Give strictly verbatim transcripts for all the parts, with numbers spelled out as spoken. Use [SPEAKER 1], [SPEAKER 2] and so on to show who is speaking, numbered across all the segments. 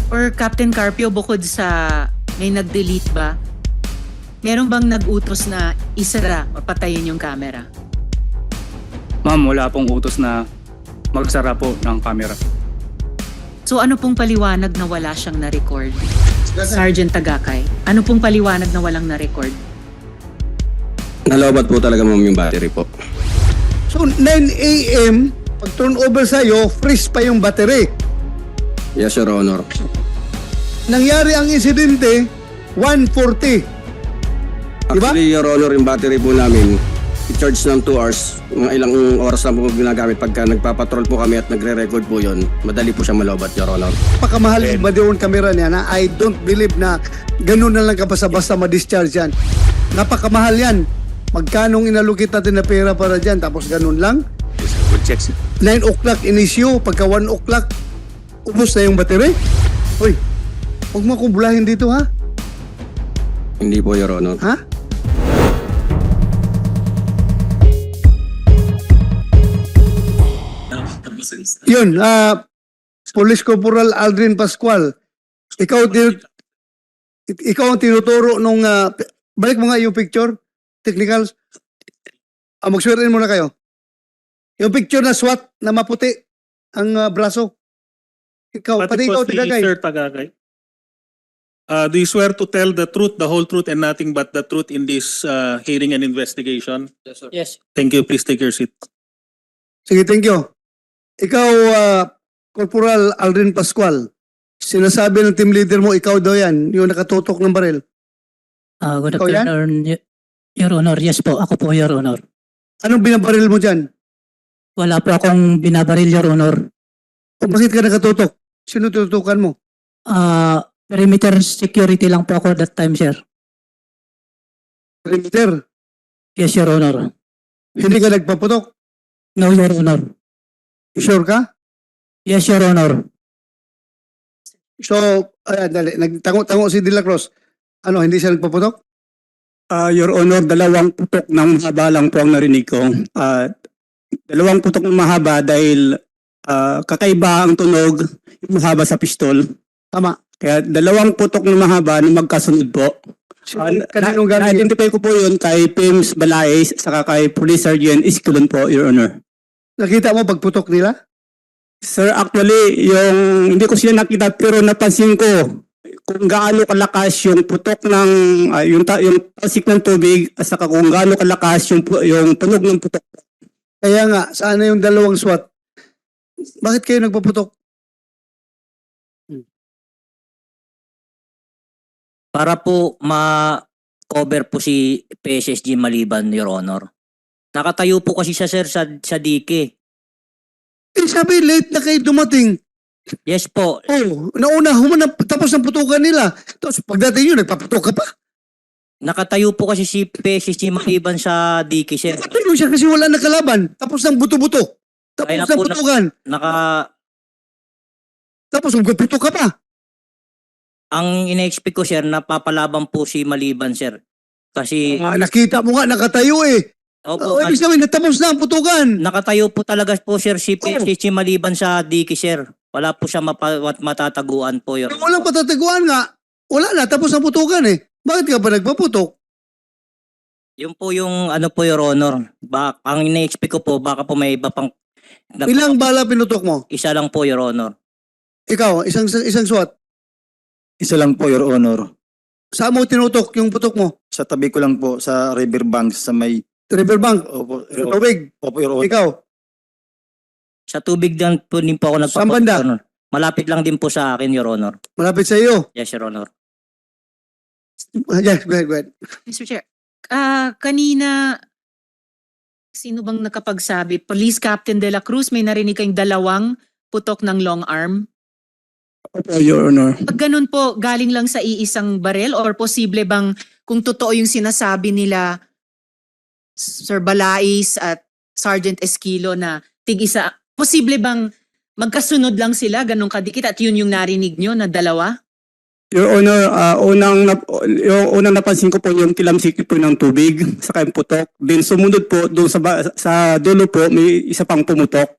[SPEAKER 1] Or Captain Carpio, bukod sa may nag-delete ba, meron bang nag-utos na isara o patayin yung camera?
[SPEAKER 2] Ma'am, wala pong utos na magsara po ng camera.
[SPEAKER 1] So ano pong paliwanag na wala siyang na-record? Sergeant Tagakay, ano pong paliwanag na walang na-record?
[SPEAKER 3] Nalobat po talaga ma'am yung battery po.
[SPEAKER 4] So nine A M, pag turn over sa'yo, freeze pa yung battery.
[SPEAKER 3] Yes, Your Honor.
[SPEAKER 4] Nangyari ang insidente, one forty. Diba?
[SPEAKER 3] Actually, Your Honor, yung battery po namin, i-charge ng two hours. Mga ilang oras lang po ginagamit pagka nagpapatrol po kami at nagre-record po yun. Madali po siya malobat, Your Honor.
[SPEAKER 4] Pakamahal yung Madeon camera niya na I don't believe na ganun na lang kabasa-basta ma-discharge yan. Napakamahal yan. Magkanong inalukit natin na pera para dyan, tapos ganun lang.
[SPEAKER 2] Good check, sir.
[SPEAKER 4] nine o'clock in-issue, pagka one o'clock, ubos na yung battery. Uy, huwag mo akong bulahin dito ha?
[SPEAKER 3] Hindi po, Your Honor.
[SPEAKER 4] Ha? Yun, ah, Police Corporal Aldrin Pascual, ikaw, tin- ikaw ang tinuturo nung, ah, balik mo nga yung picture, technicals. Ah, mag-swear in muna kayo. Yung picture na SWAT na maputi ang ah, braso. Ikaw, pati ikaw,
[SPEAKER 5] po si
[SPEAKER 4] Tagakay.
[SPEAKER 5] Sir Tagakay. Uh, do you swear to tell the truth, the whole truth, and nothing but the truth in this uh, hearing and investigation?
[SPEAKER 2] Yes, sir.
[SPEAKER 5] Yes. Thank you. Please take your seat.
[SPEAKER 4] Sige, thank you. Ikaw, ah, Corporal Aldrin Pascual, sinasabi ng team leader mo, ikaw daw yan, yung nakatutok ng baril.
[SPEAKER 6] Ah, good
[SPEAKER 4] Ikaw yan?
[SPEAKER 6] afternoon, Y- Your Honor. Yes po, ako po, Your Honor.
[SPEAKER 4] Anong binabaril mo dyan?
[SPEAKER 6] Wala po akong binabaril, Your Honor.
[SPEAKER 4] O bakit ka nakatutok? Sino tututukan mo?
[SPEAKER 6] Ah, perimeter security lang po ako that time, sir.
[SPEAKER 4] Perimeter.
[SPEAKER 6] Yes, Your Honor.
[SPEAKER 4] Hindi ka nagpaputok.
[SPEAKER 6] No, Your Honor.
[SPEAKER 4] Sure ka?
[SPEAKER 6] Yes, Your Honor.
[SPEAKER 4] So, ayan, dali. Nagtango-tango si De La Cruz. Ano, hindi siya nagpaputok?
[SPEAKER 2] Ah, Your Honor, dalawang putok ng mahaba lang po ang narinig ko. Ah, dalawang putok ng mahaba dahil ah, kakaiba ang tunog yung mahaba sa pistol.
[SPEAKER 4] Tama.
[SPEAKER 2] Kaya dalawang putok ng mahaba na magkasunod po.
[SPEAKER 4] Sino,
[SPEAKER 2] Uh,
[SPEAKER 4] kaninong galing?
[SPEAKER 2] Na-identify ko po yun kay Pims Balaes saka kay Police Sergeant Isculon po, Your Honor.
[SPEAKER 4] Nakita mo pagputok nila?
[SPEAKER 2] Sir, actually, yung hindi ko sila nakita pero napansin ko kung gaano kalakas yung putok ng ah, yung ta, yung tasik ng tubig at saka kung gaano kalakas yung pu- yung tunog ng putok.
[SPEAKER 4] Kaya nga, saan na yung dalawang SWAT? Bakit kayo nagpaputok?
[SPEAKER 7] Para po ma-cover po si P S S G Maliban, Your Honor. Nakatayo po kasi siya, sir, sa, sa dike.
[SPEAKER 4] Eh, sabi, late na kayo dumating.
[SPEAKER 7] Yes po.
[SPEAKER 4] Oh, nauna, humanap, tapos ang putukan nila. Tapos pagdating yun, nagpaputok ka pa.
[SPEAKER 7] Nakatayo po kasi si P S S G Maliban sa dike, sir.
[SPEAKER 4] Nakatayo siya kasi wala na kalaban. Tapos ng buto-buto. Tapos
[SPEAKER 7] Kaya na
[SPEAKER 4] ng
[SPEAKER 7] po na-
[SPEAKER 4] putukan.
[SPEAKER 7] Naka,
[SPEAKER 4] Tapos magpuputok ka pa.
[SPEAKER 7] ang ina-expect ko, sir, napapalaban po si Maliban, sir. Kasi,
[SPEAKER 4] Ah, nakita mo nga, nakatayo eh.
[SPEAKER 7] opo,
[SPEAKER 4] Oh, ibig sabihin, natapos na ang putukan.
[SPEAKER 7] nakatayo po talaga po, sir, si P S S G Maliban sa dike, sir. Wala po siya mapa, matataguan po, Your
[SPEAKER 4] Kung walang patataguan nga, wala na, tapos ang putukan eh. Bakit ka pa nagpaputok?
[SPEAKER 7] Yun po yung ano po, Your Honor. Ba, ang ina-expect ko po, baka po may iba pang...
[SPEAKER 4] Ilang bala pinutok mo?
[SPEAKER 7] Isa lang po, Your Honor.
[SPEAKER 4] Ikaw, isang isang SWAT.
[SPEAKER 8] Isa lang po, Your Honor.
[SPEAKER 4] Saan mo tinutok yung putok mo?
[SPEAKER 8] Sa tabi ko lang po, sa riverbank, sa may...
[SPEAKER 4] Riverbank,
[SPEAKER 8] Opo,
[SPEAKER 4] sa tubig.
[SPEAKER 8] Opo, Your Honor.
[SPEAKER 4] Ikaw,
[SPEAKER 7] Sa tubig din po din po ako
[SPEAKER 4] Saan
[SPEAKER 7] nagpapunta,
[SPEAKER 4] banda?
[SPEAKER 7] Your Honor. Malapit lang din po sa akin, Your Honor.
[SPEAKER 4] malapit sa iyo.
[SPEAKER 7] Yes, Your Honor.
[SPEAKER 4] Yes, go ahead, go ahead.
[SPEAKER 1] Mister Chair, ah kanina, sino bang nakapagsabi? Police Captain De La Cruz, may narinig kayong dalawang putok ng long arm.
[SPEAKER 2] Opo, Your Honor.
[SPEAKER 1] Pag ganun po, galing lang sa iisang baril or posible bang kung totoo yung sinasabi nila Sir Balais at Sergeant Esquilo na tig-isa, posible bang magkasunod lang sila, ganun kadikit at yun yung narinig nyo na dalawa?
[SPEAKER 2] Your Honor, ah, unang, nap- yung unang napansin ko po yung kilamsik po ng tubig sa yung putok. Then sumunod po doon sa, ba- sa dulo po may isa pang pumutok.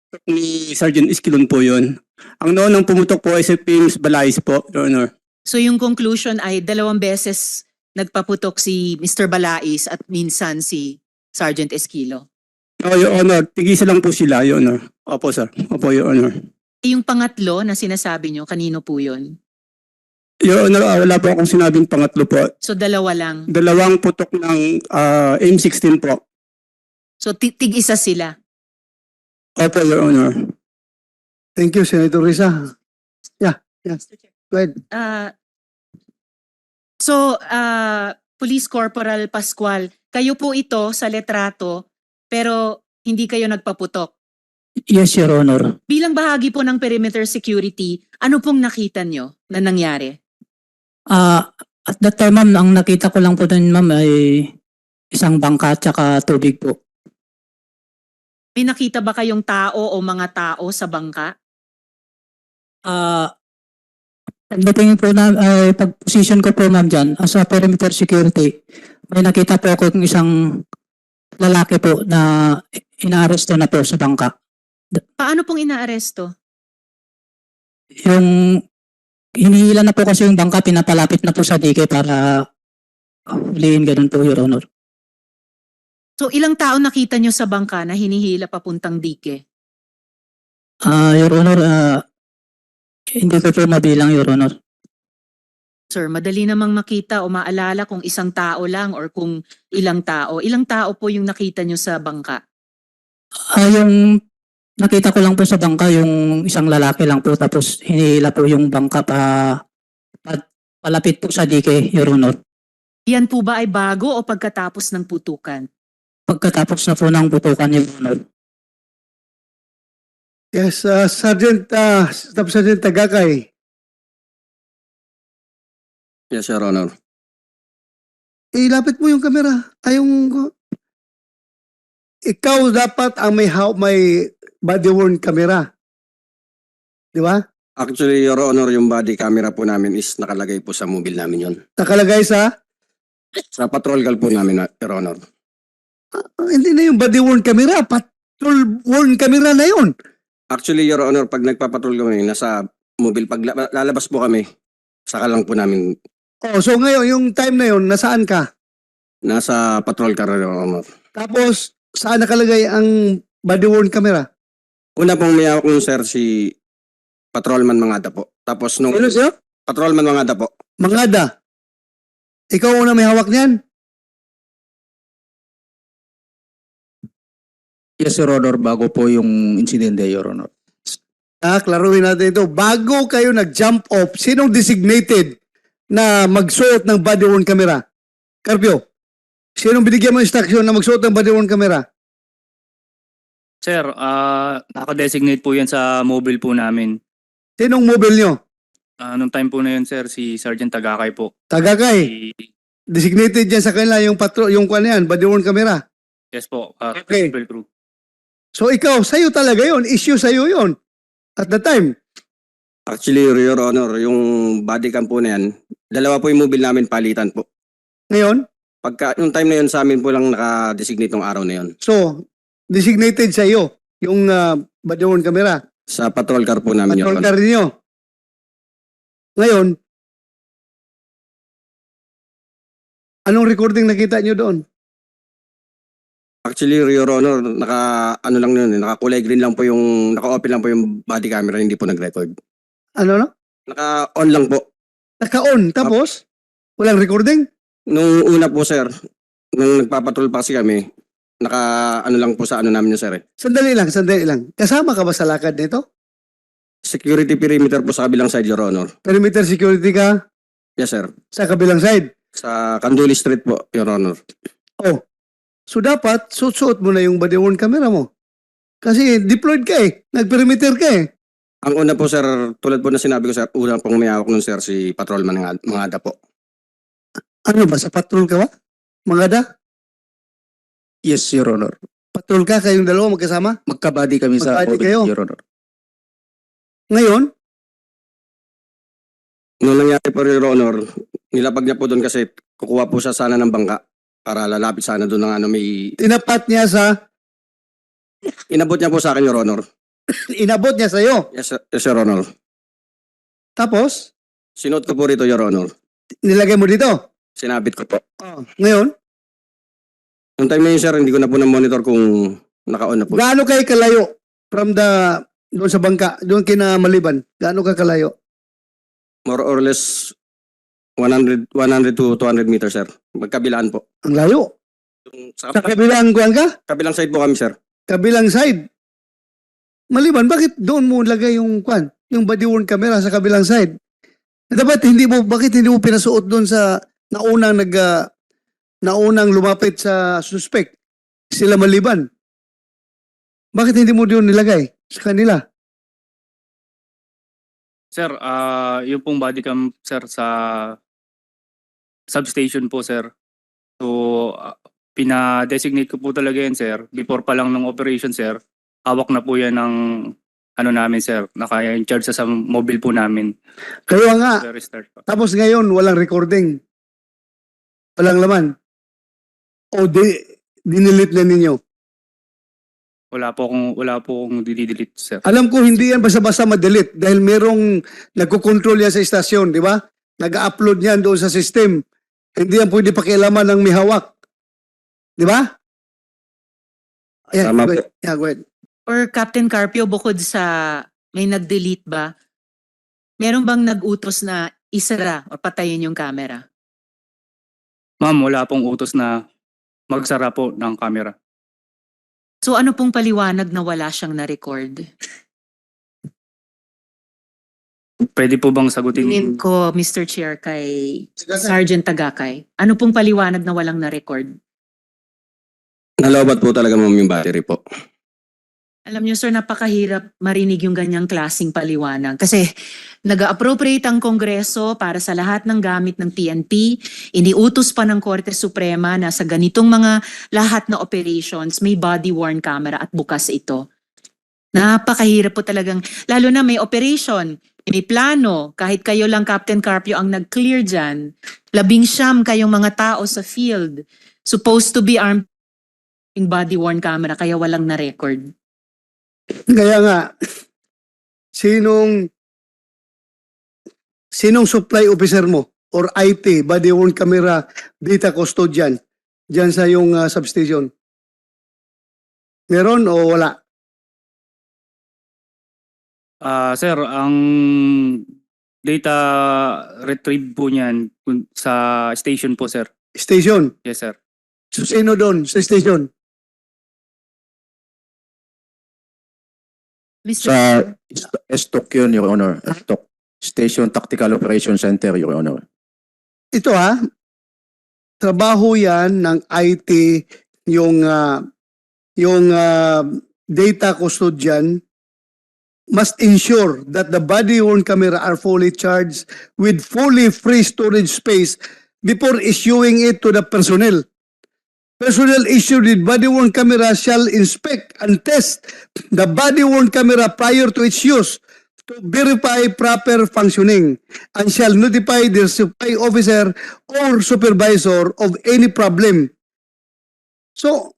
[SPEAKER 2] ni Sergeant Esquilon po yun. Ang noon ang pumutok po ay si James Balais po, Your Honor.
[SPEAKER 1] So yung conclusion ay dalawang beses nagpaputok si Mister Balais at minsan si Sergeant Esquilo.
[SPEAKER 2] No, Your Honor, tigisa lang po sila, Your Honor. Opo, sir. Opo, Your Honor.
[SPEAKER 1] Eh, Yung pangatlo na sinasabi nyo, kanino po yun?
[SPEAKER 2] Your Honor, ah, wala po akong sinabing pangatlo po.
[SPEAKER 1] So dalawa lang.
[SPEAKER 2] Dalawang putok ng ah, M sixteen po.
[SPEAKER 1] So ti- tig-isa sila.
[SPEAKER 2] Opo, Your Honor.
[SPEAKER 4] Thank you, Senator Risa. Yeah, yeah. Go ahead.
[SPEAKER 1] Ah, so, ah, Police Corporal Pascual, kayo po ito sa letrato, pero hindi kayo nagpaputok.
[SPEAKER 6] Yes, Your Honor.
[SPEAKER 1] Bilang bahagi po ng perimeter security, ano pong nakita nyo na nangyari?
[SPEAKER 6] Ah, at that time, ma'am, ang nakita ko lang po doon, ma'am, ay isang bangka at saka tubig po.
[SPEAKER 1] May nakita ba kayong tao o mga tao sa bangka?
[SPEAKER 6] Ah, pagdating po na, ay pag-position ko po, ma'am, dyan, as a perimeter security, may nakita po ako ng isang lalaki po na inaaresto na po sa bangka.
[SPEAKER 1] Paano pong inaaresto?
[SPEAKER 6] Yung hinihila na po kasi yung bangka, pinapalapit na po sa dike para huliin, ganun po, Your Honor.
[SPEAKER 1] So ilang tao nakita nyo sa bangka na hinihila papuntang dike?
[SPEAKER 6] Ah, Your Honor, ah, hindi ko po mabilang, Your Honor.
[SPEAKER 1] Sir, madali namang makita o maalala kung isang tao lang or kung ilang tao. Ilang tao po yung nakita nyo sa bangka?
[SPEAKER 6] Ah, yung nakita ko lang po sa bangka, yung isang lalaki lang po, tapos hinihila po yung bangka pa, pa palapit po sa dike, Your Honor.
[SPEAKER 1] Yan po ba ay bago o pagkatapos ng putukan?
[SPEAKER 6] Pagkatapos na po ng putukan, Your Honor.
[SPEAKER 4] Yes, uh, Sergeant, uh, Staff Sergeant Tagakay.
[SPEAKER 3] Yes, Your Honor.
[SPEAKER 4] Ilapit mo yung camera. Ay, yung... Ikaw dapat ang may, how, may body-worn camera. Di ba?
[SPEAKER 3] Actually, Your Honor, yung body camera po namin is nakalagay po sa mobile namin yon.
[SPEAKER 4] Nakalagay sa...
[SPEAKER 3] Sa patrol car po namin, Your Honor.
[SPEAKER 4] Ah, hindi na yung body-worn camera. Patrol-worn camera na yun.
[SPEAKER 3] Actually, Your Honor, pag nagpapatrol kami, nasa mobile, pag la- lalabas po kami, saka lang po namin
[SPEAKER 4] Oh, so ngayon, yung time na yun, nasaan ka?
[SPEAKER 3] nasa patrol car, Your Honor.
[SPEAKER 4] Tapos, saan nakalagay ang body-worn camera?
[SPEAKER 3] Una pong may hawak nun, sir, si Patrolman Mangada po. Tapos nung...
[SPEAKER 4] Ano siya?
[SPEAKER 3] Patrolman Mangada po.
[SPEAKER 4] Mangada. Ikaw una may hawak niyan?
[SPEAKER 8] Yes, Your Honor, bago po yung insidente, Your Honor.
[SPEAKER 4] Ah, klaruhin natin ito. Bago kayo nag-jump off, sinong designated na magsuot ng body-worn camera? Carpio, sinong binigyan mo instruction na magsuot ng body-worn camera?
[SPEAKER 9] Sir, ah naka-designate po yan sa mobile po namin.
[SPEAKER 4] Sinong mobile nyo?
[SPEAKER 9] Ah, nung time po na yun, sir, si Sergeant Tagakay po.
[SPEAKER 4] Tagakay.
[SPEAKER 9] Si-
[SPEAKER 4] Designated dyan sa kanila yung patro, yung kwan yan, body-worn camera.
[SPEAKER 9] yes po, ah,
[SPEAKER 4] Okay.
[SPEAKER 9] Triple Crew.
[SPEAKER 4] So ikaw, sa'yo talaga yun. Issue sa'yo yun. At the time.
[SPEAKER 3] Actually, Your Honor, yung body cam po na yan, dalawa po yung mobile namin palitan po.
[SPEAKER 4] Ngayon,
[SPEAKER 3] Pagka, yung time na yun sa amin po lang naka-designate ng araw na yun.
[SPEAKER 4] so, designated sa'yo yung uh, body-worn camera.
[SPEAKER 3] Sa patrol car po namin, Your
[SPEAKER 4] Patrol
[SPEAKER 3] Honor.
[SPEAKER 4] car ninyo. Ngayon, anong recording nakita nyo doon?
[SPEAKER 3] Actually, Your Honor, naka, ano lang yun, eh, naka-kulay green lang po yung, naka-open lang po yung body camera, hindi po nag-record.
[SPEAKER 4] Ano no?
[SPEAKER 3] Naka-on lang po.
[SPEAKER 4] Naka-on. Tapos, walang recording?
[SPEAKER 3] Nung una po, sir, nung nagpapatrol pa kasi kami, naka, ano lang po sa ano namin yun, sir, eh.
[SPEAKER 4] Sandali lang, sandali lang. Kasama ka ba sa lakad nito?
[SPEAKER 3] Security perimeter po sa kabilang side, Your Honor.
[SPEAKER 4] Perimeter security ka
[SPEAKER 3] Yes, sir.
[SPEAKER 4] sa kabilang side.
[SPEAKER 3] Sa Canduli Street po, Your Honor.
[SPEAKER 4] Oh. So dapat, suot-suot mo na yung body-worn camera mo. Kasi deployed ka eh. Nag-perimeter ka eh.
[SPEAKER 3] Ang una po, sir, tulad po na sinabi ko, sir, una pong may hawak nun, sir, si Patrolman ng Mangada po.
[SPEAKER 4] Ano ba? Sa patrol ka ba? Mangada?
[SPEAKER 8] Yes, Your Honor.
[SPEAKER 4] Patrol ka kayong dalawa magkasama?
[SPEAKER 8] Magkabady kami sa
[SPEAKER 4] Magkabady
[SPEAKER 8] mobile,
[SPEAKER 4] kayo?
[SPEAKER 8] Your Honor.
[SPEAKER 4] Ngayon,
[SPEAKER 3] Nung nangyari po, Your Honor, nilapag niya po doon kasi kukuha po siya sana ng bangka para lalapit sana doon ng ano may...
[SPEAKER 4] tinapat niya sa...
[SPEAKER 3] Inabot niya po sa akin, Your Honor.
[SPEAKER 4] Inabot niya sa'yo.
[SPEAKER 3] Yes, sir, yes, Your Honor.
[SPEAKER 4] Tapos,
[SPEAKER 3] Sinuot ko po rito, Your Honor.
[SPEAKER 4] nilagay mo dito.
[SPEAKER 3] Sinabit ko po.
[SPEAKER 4] Oh. Ngayon,
[SPEAKER 3] Yung time na yun, sir, hindi ko na po na-monitor kung naka-on na po.
[SPEAKER 4] gaano kayo kalayo from the, doon sa bangka, doon kina Maliban? Gaano ka kalayo?
[SPEAKER 3] More or less one hundred, one hundred to two hundred meters, sir. Magkabilaan po.
[SPEAKER 4] Ang layo.
[SPEAKER 3] Yung Sa
[SPEAKER 4] Sa kabilang kuwan ka?
[SPEAKER 3] kabilang side po kami, sir.
[SPEAKER 4] Kabilang side. Maliban, bakit doon mo lagay yung kwan? Yung body worn camera sa kabilang side? Dapat hindi mo, bakit hindi mo pinasuot doon sa naunang nag, ah, naunang lumapit sa suspect? Sila Maliban. Bakit hindi mo doon nilagay sa kanila?
[SPEAKER 9] Sir, ah yung pong body cam, sir, sa substation po, sir. So, ah, pina-designate ko po talaga yan, sir. Before pa lang ng operation, sir, hawak na po yan ng ano namin, sir. Naka-in charge sa, sa mobile po namin.
[SPEAKER 4] Kaya nga,
[SPEAKER 9] Very start pa.
[SPEAKER 4] tapos ngayon walang recording. Walang laman. O di, dinilit na ninyo.
[SPEAKER 9] Wala po akong, wala po akong didelete, sir.
[SPEAKER 4] Alam ko hindi yan basta-basta ma-delete dahil merong nagko-control yan sa istasyon, di ba? Nag-upload yan doon sa system. Hindi yan pwede pakialaman ng may hawak. Di ba? Yeah,
[SPEAKER 3] Tama
[SPEAKER 4] go
[SPEAKER 3] po.
[SPEAKER 4] ahead. Yeah, go ahead.
[SPEAKER 1] Or Captain Carpio, bukod sa may nag-delete ba, meron bang nag-utos na isara o patayin yung camera?
[SPEAKER 9] Ma'am, wala pong utos na magsara po ng camera.
[SPEAKER 1] So ano pong paliwanag na wala siyang na-record?
[SPEAKER 9] Pwede po bang sagutin?
[SPEAKER 1] Tingin ko, Mister Chair, kay Sergeant Tagakay. Ano pong paliwanag na walang na-record?
[SPEAKER 3] Nalobat po talaga, ma'am, yung battery po.
[SPEAKER 1] Alam niyo sir, napakahirap marinig yung ganyang klaseng paliwanag. Kasi nag-appropriate ang Kongreso para sa lahat ng gamit ng P N P. Iniutos pa ng Korte Suprema na sa ganitong mga lahat na operations, may body-worn camera at bukas ito. Napakahirap po talagang, lalo na may operation, may plano, kahit kayo lang Captain Carpio ang nag-clear dyan, labing siyam kayong mga tao sa field, supposed to be armed yung body-worn camera, kaya walang na-record.
[SPEAKER 4] Kaya nga, sinong sinong supply officer mo or I T, body worn camera, data custodian, dyan sa yung uh, substation? Meron o wala?
[SPEAKER 9] Ah, sir, ang data retrieve po niyan kun- sa station po, sir.
[SPEAKER 4] Station.
[SPEAKER 9] Yes, sir.
[SPEAKER 4] So, sino doon sa station?
[SPEAKER 1] Mister
[SPEAKER 8] Sa
[SPEAKER 1] Chair.
[SPEAKER 8] Estok yun, Your Honor. Estok. Station Tactical Operation Center, Your Honor.
[SPEAKER 4] Ito ha, trabaho yan ng I T, yung, ah, yung ah, data custodian must ensure that the body-worn camera are fully charged with fully free storage space before issuing it to the personnel. Personnel issued with body-worn camera shall inspect and test the body-worn camera prior to its use to verify proper functioning and shall notify the supply officer or supervisor of any problem. So,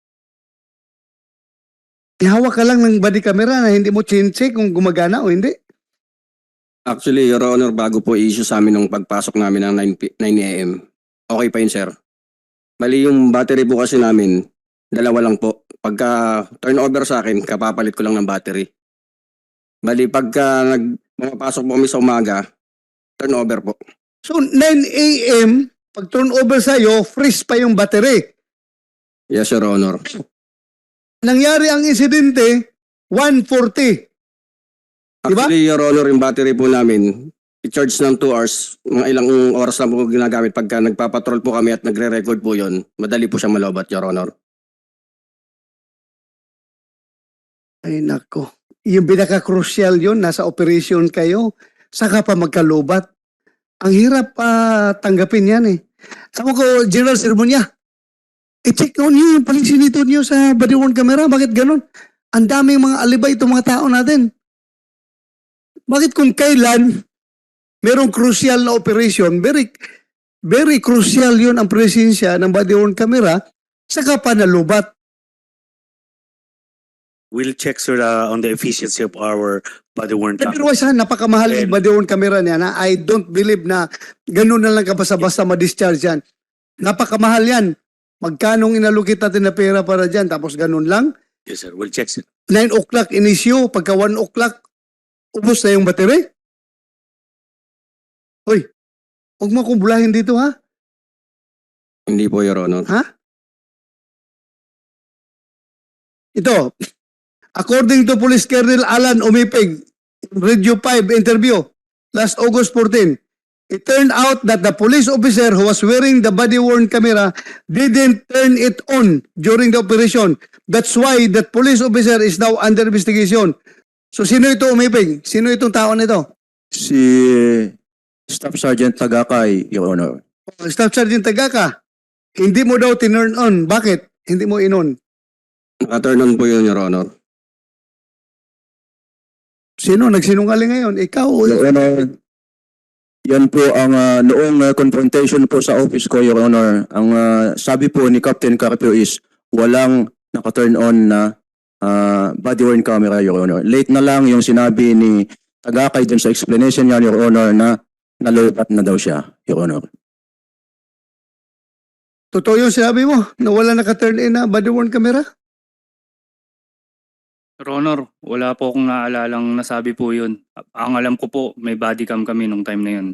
[SPEAKER 4] ihawak ka lang ng body camera na hindi mo chin-check kung gumagana o hindi.
[SPEAKER 3] Actually, Your Honor, bago po i-issue sa amin ng pagpasok namin ng nine a m, okay pa yun, sir. Mali yung battery po kasi namin, dalawa lang po. Pagka turnover sa akin, kapapalit ko lang ng battery. Mali pagka nag pumapasok po kami sa umaga, turnover po.
[SPEAKER 4] So, nine a m, pag turnover sa'yo, freeze pa yung battery.
[SPEAKER 3] Yes, Your Honor.
[SPEAKER 4] Nangyari ang insidente, one forty. Diba?
[SPEAKER 3] Actually, Your Honor, yung battery po namin, i-charge ng two hours, mga ilang oras lang po ginagamit pagka nagpapatrol po kami at nagre-record po yon. Madali po siyang malobat, Your Honor.
[SPEAKER 4] Ay nako. Yung pinaka-crucial yun, nasa operation kayo, saka pa magkalubat. Ang hirap pa tanggapin yan eh. Ako ko, General Sermonia, i-check on nyo yung palisinito nyo sa body-worn camera. Bakit ganun? Ang daming mga alibay itong mga tao natin. Bakit kung kailan merong crucial na operation, very, very crucial yun ang presensya ng body-worn camera, saka pa nalubat.
[SPEAKER 10] We'll check, sir, uh, on the efficiency of our body worn camera.
[SPEAKER 4] Pero sa napakamahal yung
[SPEAKER 10] And-
[SPEAKER 4] body worn camera niya na I don't believe na ganun na lang ka basta-basta ma-discharge yan. Napakamahal yan. Magkanong inalukit natin na pera para dyan tapos ganun lang.
[SPEAKER 10] Yes, sir. We'll check, sir.
[SPEAKER 4] nine o'clock inisyo, pagka one o'clock, ubos na yung battery. Hoy, huwag mo akong bulahin dito ha.
[SPEAKER 3] Hindi po, Your Honor.
[SPEAKER 4] Ito, according to Police Colonel Alan Umipig, Radio five interview, last August fourteenth, it turned out that the police officer who was wearing the body-worn camera didn't turn it on during the operation. That's why that police officer is now under investigation. So sino ito Umipig? Sino itong tao nito?
[SPEAKER 8] Si Staff Sergeant Tagakay, Your Honor.
[SPEAKER 4] Oh, Staff Sergeant Tagaka, hindi mo daw tinurn on. Bakit? Hindi mo inon.
[SPEAKER 3] Naka-turn on po yun, Your Honor.
[SPEAKER 4] Sino nagsinungaling ngayon? Ikaw o
[SPEAKER 8] Your Honor, yan po ang ah, noong ah, confrontation po sa office ko, Your Honor. Ang ah, sabi po ni Captain Carpio is walang naka-turn on na ah, body-worn camera, Your Honor. Late na lang yung sinabi ni Tagakay dun sa explanation niya, Your Honor, na nalobat na daw siya, Your Honor.
[SPEAKER 4] totoo yung sinabi mo na wala naka-turn in na body-worn camera?
[SPEAKER 9] Your Honor, wala po akong naalalang nasabi po yun. Ang alam ko po, may body cam kami nung time na yun.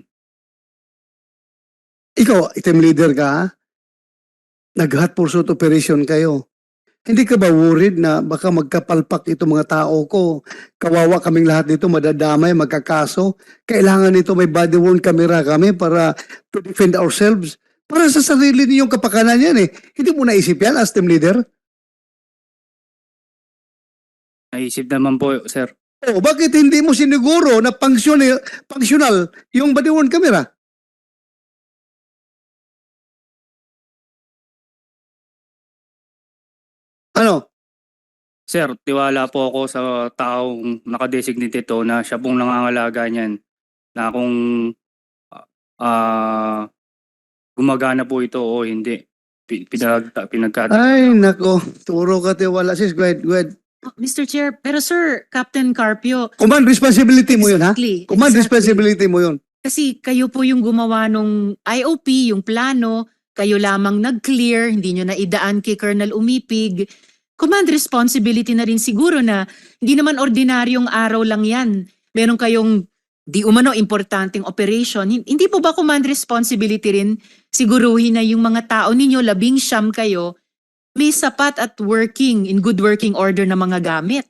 [SPEAKER 4] Ikaw, team leader ka, ha? Nag-hot pursuit operation kayo. Hindi ka ba worried na baka magkapalpak itong mga tao ko? Kawawa kaming lahat dito, madadamay, magkakaso. Kailangan nito may body-worn camera kami para to defend ourselves. Para sa sarili niyong kapakanan yan eh. Hindi mo naisip yan as team leader?
[SPEAKER 9] Naisip naman po, sir.
[SPEAKER 4] O bakit hindi mo siniguro na functional, functional yung body-worn camera? Ano?
[SPEAKER 9] Sir, tiwala po ako sa taong nakadesignate ito na siya pong nangangalaga niyan. Na kung ah gumagana po ito o hindi. Pi- Pinag, pinagkat...
[SPEAKER 4] Ay, nako. Turo ka tiwala. Sis, go ahead, go ahead.
[SPEAKER 1] Oh, Mister Chair, pero Sir, Captain Carpio,
[SPEAKER 4] Command responsibility mo yun, ha?
[SPEAKER 1] exactly,
[SPEAKER 4] Command
[SPEAKER 1] exactly.
[SPEAKER 4] responsibility mo yun.
[SPEAKER 1] Kasi kayo po yung gumawa nung I O P, yung plano, kayo lamang nag-clear, hindi nyo na idaan kay Colonel Umipig. Command responsibility na rin siguro na hindi naman ordinaryong araw lang yan. Meron kayong di umano importanteng operation. Hin- Hindi po ba command responsibility rin siguruhin na yung mga tao ninyo, labing siyam kayo, may sapat at working, in good working order na mga gamit?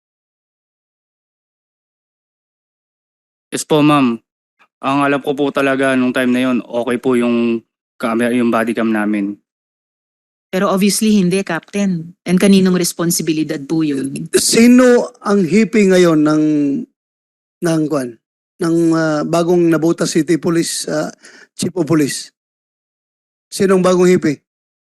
[SPEAKER 9] Yes po, ma'am. Ang alam ko po talaga nung time na yon, okay po yung camera, yung body cam namin.
[SPEAKER 1] Pero obviously hindi, Captain. And kaninong responsibilidad po yun?
[SPEAKER 4] Sino ang hippie ngayon ng ng kwan? Ng ah, bagong Nabuta City Police ah, Chief of Police? Sinong bagong hippie?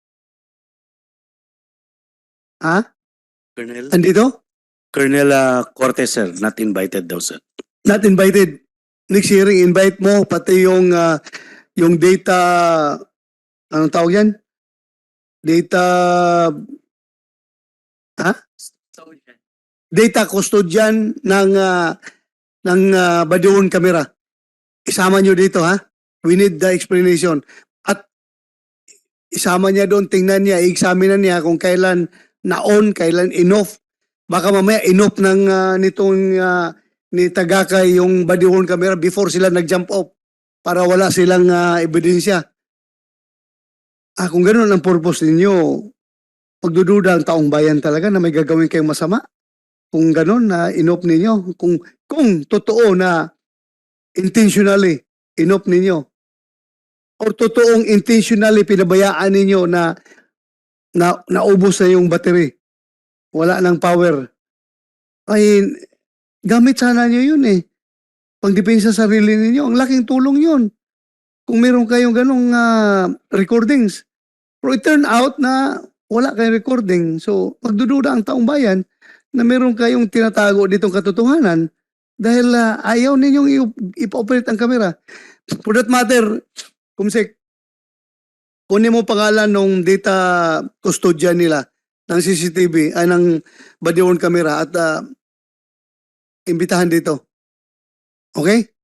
[SPEAKER 4] Ha?
[SPEAKER 10] Colonel,
[SPEAKER 4] Andito?
[SPEAKER 10] Colonel uh, Cortez, sir, not invited daw, sir.
[SPEAKER 4] Not invited. Next hearing, invite mo pati yung ah, yung data, anong tawag yan? Data, ha? Data custodian ng ah, ng uh, body-worn camera. Isama nyo dito, ha? We need the explanation. At isama niya doon, tingnan niya, i-examinan niya kung kailan na-on, kailan in-off. Baka mamaya in-off ng ah, nitong ah, ni Tagakay yung body-worn camera before sila nag-jump off para wala silang ah, ebidensya. Ah, kung gano'n ang purpose ninyo, pagdududa ang taong bayan talaga na may gagawin kayong masama. Kung gano'n na in-off ninyo, kung, kung totoo na intentionally in-off ninyo, or totoong intentionally pinabayaan ninyo na na naubos na yung battery, wala ng power, ay gamit sana nyo yun eh. Pangdepensa sa sarili ninyo, ang laking tulong yun. Kung meron kayong ganong ah, recordings. Pero it turn out na wala kayong recording. So, magdududa ang taong bayan na meron kayong tinatago ditong katotohanan dahil ah, ayaw ninyong i- ipa-operate ang camera. For that matter, Kumsek, kunin mo pangalan ng data custodian nila ng C C T V, ay ng body worn camera at ah, imbitahan dito. Okay?